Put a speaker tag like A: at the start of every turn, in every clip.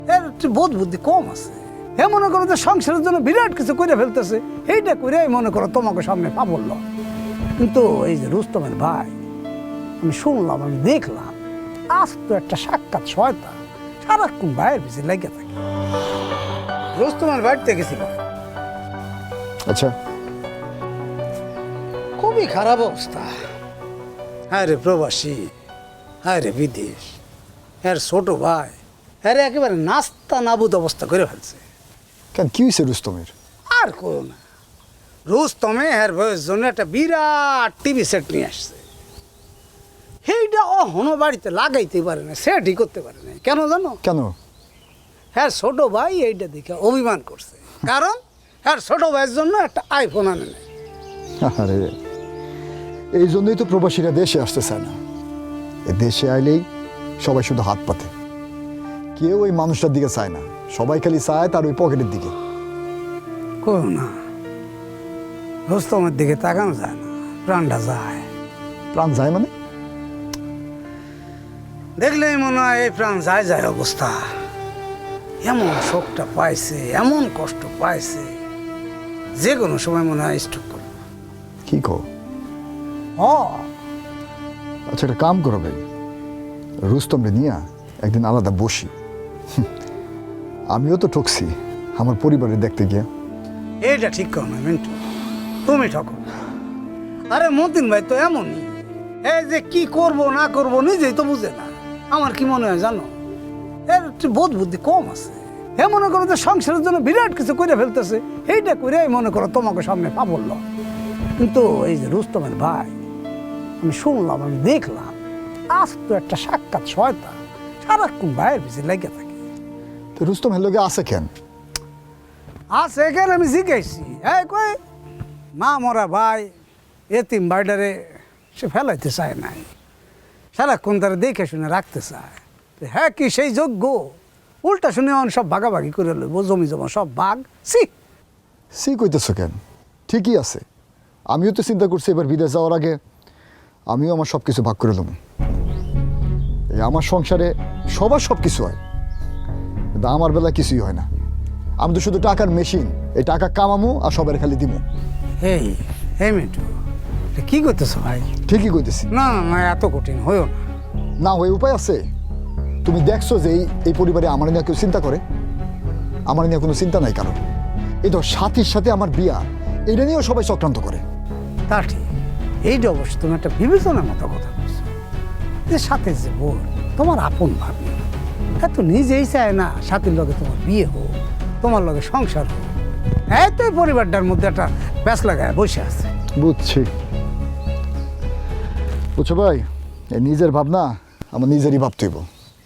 A: এর একটু বোধ বুদ্ধি কম আছে। এ মনে করো যে সংসারের জন্য বিরাট কিছু করে ফেলতেছে, এইটা করে মনে করো তোমাকে সামনে পাবল। কিন্তু এই যে রুস্তমের ভাই, আমি শুনলাম, আমি দেখলাম, আজ তো একটা সাক্ষাৎ শয়তান, সারাক্ষণ ভাইয়ের পিছিয়ে লেগে থাকে। রুস্তমের বাড়িতে গেছিলাম,
B: আচ্ছা,
A: খুবই খারাপ অবস্থা। হ্যাঁ রে প্রবাসী, হ্যাঁ রে বিদেশ, হ্যাঁ ছোট ভাই, হ্যাঁ রে একেবারে নাস্তা নাবুদ অবস্থা করে ফেলছে।
B: কেন কি হয়েছে রুস্তমের?
A: আর করো না, রুস্তমে হ্যার বয়স জন্য একটা বিরাট টিভি সেট নিয়ে আসছে। সেইটা অহনো বাড়িতে লাগাইতে পারে না, সেটই করতে পারে না। কেন জানো?
B: কেন?
A: হ্যাঁ ছোট ভাই এইটা দেখে অভিমান করছে, কারণ হ্যাঁ ছোট ভাইয়ের জন্য একটা আইফোন আনে নেয়।
B: আরে এই জন্যই তো প্রবাসীরা দেশে আসতে চায় না। এ দেশে আইলেই সবাই শুধু হাত পাতে, কেউ ওই মানুষটার দিকে চায় না, সবাই খালি চায় তার ওই পকেটের দিকে।
A: করো না, রুস্তমের দিকে তাকানো যায় না, প্রাণটা যায়।
B: প্রাণ যায় মানে?
A: দেখলেই মনে হয় এই প্রাণ যায় যায় অবস্থা। এমন শোকটা পাইছে, এমন কষ্ট পাইছে, যে কোনো সময় মনে হয় স্ট্রোক করবে।
B: কি কো? আচ্ছা, একটা কাম করো ভাই, রুস্তমরে নিয়ে একদিন আলাদা বসি। আমিও তো ঠকছি আমার পরিবারের দেখতে গিয়ে।
A: এইটা ঠিক করো না মিন্টু, তুমি ঠকো। আরে মতিন ভাই তো এমনই, এই যে কি করব না করব নিজেই তো বুঝে না। আমার কি মনে হয় জানো, এর একটু বোধ বুদ্ধি কম আছে। এ মনে করো যে সংসারের জন্য বিরাট কিছু করে ফেলতেছে, এইটা করে মনে করো তোমাকে সামনে পাবল। কিন্তু এই যে রুস্তমের ভাই, আমি শুনলাম, আমি দেখলাম, আজ তো একটা সাক্ষাৎ শয়তান, সারাক্ষণ ভাইয়ের পিছিয়ে লেগে থাকে।
B: তো রুস্তম হেলোকে আছে কেন?
A: আছে এখানে, আমি জিজ্ঞাসি, এই কই মা মরা ভাই, এতিম ভাইডারে সে ফেলাইতে চায় নাই, সারাক্ষণ তারা দেখে শুনে রাখতে চায়। হ্যাঁ কি সেই যোগ্য? উল্টা শুনে সব ভাগাভাগি করে লইব, জমি জমা সব ভাগ।
B: সি কইতেছো কেন? ঠিকই আছে, আমিও তো চিন্তা করছি এবার বিদেশ যাওয়ার আগে আমিও আমার সব কিছু ভাগ করে দেবো। এই আমার সংসারে সবার সব কিছু হয়, কিন্তু আমার বেলা কিছুই হয় না। আমি তো শুধু টাকার মেশিন, এই টাকা কামামো আর সবার খালি দিমু।
A: এই এই মিন্টু, এটা কি করতেছো ভাই?
B: ঠিকই কইতেছি।
A: না না না, এত কঠিন হইও না।
B: না হয়ে উপায় আছে? তুমি দেখছো যে এই পরিবারে আমার নিয়ে কেউ চিন্তা করে? আমার নিয়ে কোনো চিন্তা নাই কারণ। এই তো সাথীর সাথে আমার বিয়া, এটা নিয়েও সবাই চক্রান্ত করে।
A: তা ঠিক, এইটা অবশ্য তুমি একটা বিবেচনার মতো কথা বলছো, যে সাথে যে বোন তোমার আপন ভাবি, এত নিজেই চায় না সাথীর লগে তোমার বিয়ে হোক, তোমার লগে সংসার হোক। এত পরিবারটার মধ্যে একটা প্যাঁচ লাগায় বসে আছে।
B: বুঝছি, বুঝছো ভাই, এই নিজের ভাবনা আমার নিজেরই ভাবতে হইব।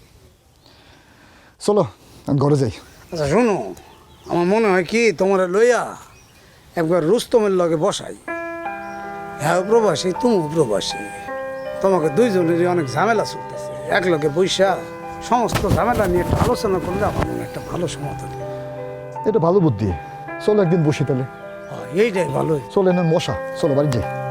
B: চলো আমি ঘরে যাই।
A: আচ্ছা শোনো, আমার মনে হয় কি তোমার লইয়া একবার রুস্তমের লগে বসাই। হ্যাঁ প্রবাসী, তুমিও প্রবাসী, তোমাকে দুইজনেরই অনেক ঝামেলা চলতেছে, এক লগে বৈশা সমস্ত ঝামেলা নিয়ে একটা আলোচনা করলে আমার মনে হয় একটা ভালো সমাধান।
B: এটা ভালো বুদ্ধি, চলো একদিন বসি তাহলে।
A: এইটাই ভালোই।
B: চলো এনে মশা, চলো বাড়ি যাই।